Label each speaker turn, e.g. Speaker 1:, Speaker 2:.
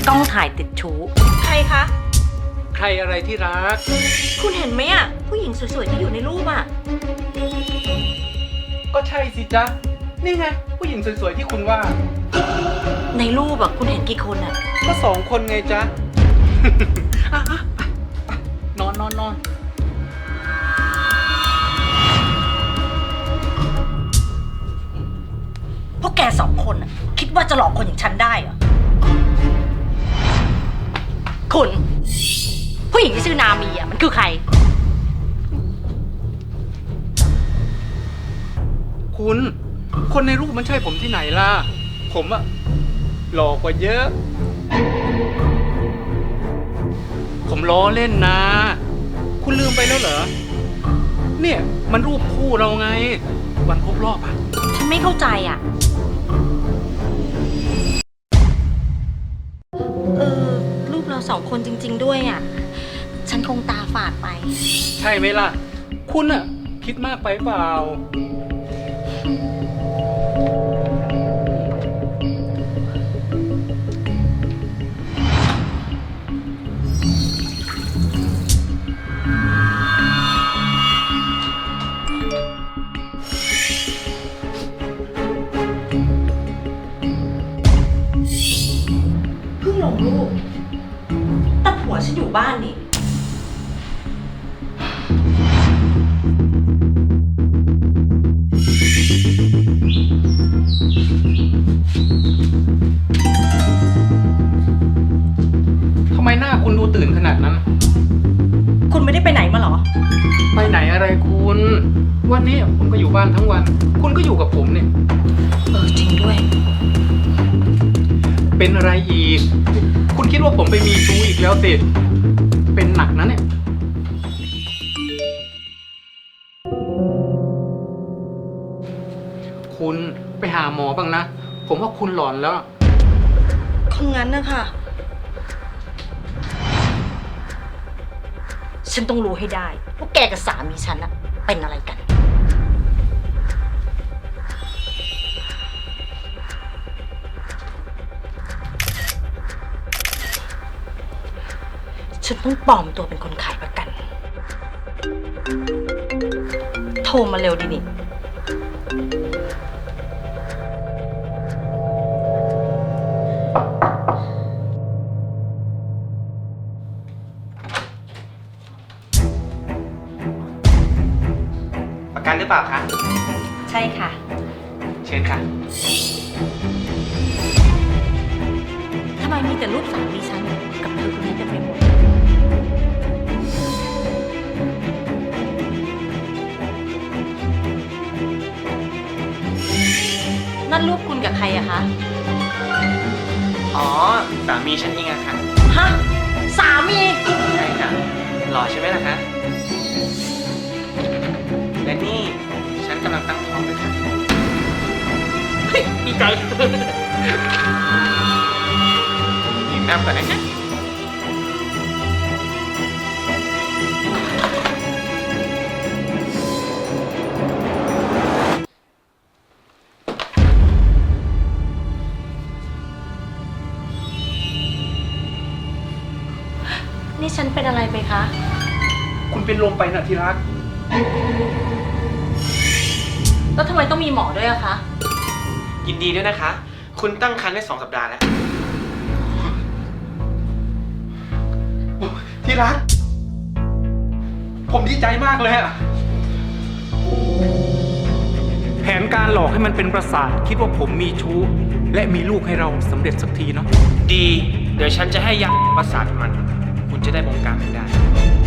Speaker 1: กล้องถ่ายติดชู้ใครคะ
Speaker 2: ใครอะไรที่รัก
Speaker 1: คุณเห็นไหมอ่ะผู้หญิงสวยๆที่อยู่ในรูปอ่ะ
Speaker 2: ก็ใช่สิจ๊ะนี่ไงผู้หญิงสวยๆที่คุณว่า
Speaker 1: ในรูปอ่ะคุณเห็นกี่คนอ่ะ
Speaker 2: ก็2 คนไงจ๊ะ นอน
Speaker 1: พวกแก2 คนอ่ะคิดว่าจะหลอกคนอย่างฉันได้เหรอคุณผู้หญิงที่ชื่อนามีอ่ะมันคือใคร
Speaker 2: คุณคนในรูปมันใช่ผมที่ไหนล่ะผมอะหล่อกว่าเยอะผมล้อเล่นนะคุณลืมไปแล้วเหรอเนี่ยมันรูปคู่เราไงวันครบรอบอะ
Speaker 1: ฉันไม่เข้าใจอ่ะรูปเรา2 คนจริงๆด้วยอ่ะฉันคงตาฝาดไป
Speaker 2: ใช่ไหมล่ะคุณอะคิดมากไปเปล่า
Speaker 1: เพิ่งลงรูปแต่ผัวฉันอยู่บ้านนี่
Speaker 2: ทำไมหน้าคุณดูตื่นขนาดนั้น
Speaker 1: คุณไม่ได้ไปไหนมาเหรอ
Speaker 2: ไปไหนอะไรคุณวันนี้ผมก็อยู่บ้านทั้งวันคุณก็อยู่กับผมเนี่ย
Speaker 1: จริงด้วย
Speaker 2: เป็นอะไรอีกคุณคิดว่าผมไปมีชู้อีกแล้วสิเป็นหนักนะเนี่ยคุณไปหาหมอบ้างนะผมว่าคุณหลอนแล้ว
Speaker 1: คงงั้นนะคะฉันต้องรู้ให้ได้ว่าแกกับสามีฉันอะเป็นอะไรกันฉันต้องปลอมตัวเป็นคนขายประกันโทรมาเร็วดินี่
Speaker 2: ประกันหรือเปล่าคะ
Speaker 1: ใช่ค่ะ
Speaker 2: เชิญค่ะ
Speaker 1: ทำไมมีแต่รูปสามีฉันกับเธอคนนี้เต็มไปหมดนั่นรูปคุณกับใครอะคะ
Speaker 3: อ๋อสามีฉันเองอะค่ะ
Speaker 1: ฮะสามี
Speaker 3: ใช่ค่ะหล่อใช่ไหมล่ะคะและนี่ฉันกำลังตั้งท้องด้วยค่ะดีใจยิ้มแย้มก่อนนะคะ
Speaker 1: นี่ฉันเป็นอะไรไปคะ
Speaker 2: คุณเป็นลมไปนะที่รัก
Speaker 1: แล้วทำไมต้องมีหมอด้วยอะคะ
Speaker 3: ยินดีด้วยนะคะคุณตั้งครรภ์ได้2 สัปดาห์แล้ว
Speaker 2: ที่รักผมดีใจมากเลยอะแผนการหลอกให้มันเป็นประสาทคิดว่าผมมีชู้และมีลูกให้เราสำเร็จสักทีเนาะ
Speaker 3: ดีเดี๋ยวฉันจะให้ยาประสาทมันคุณจะได้บงการไม่ได้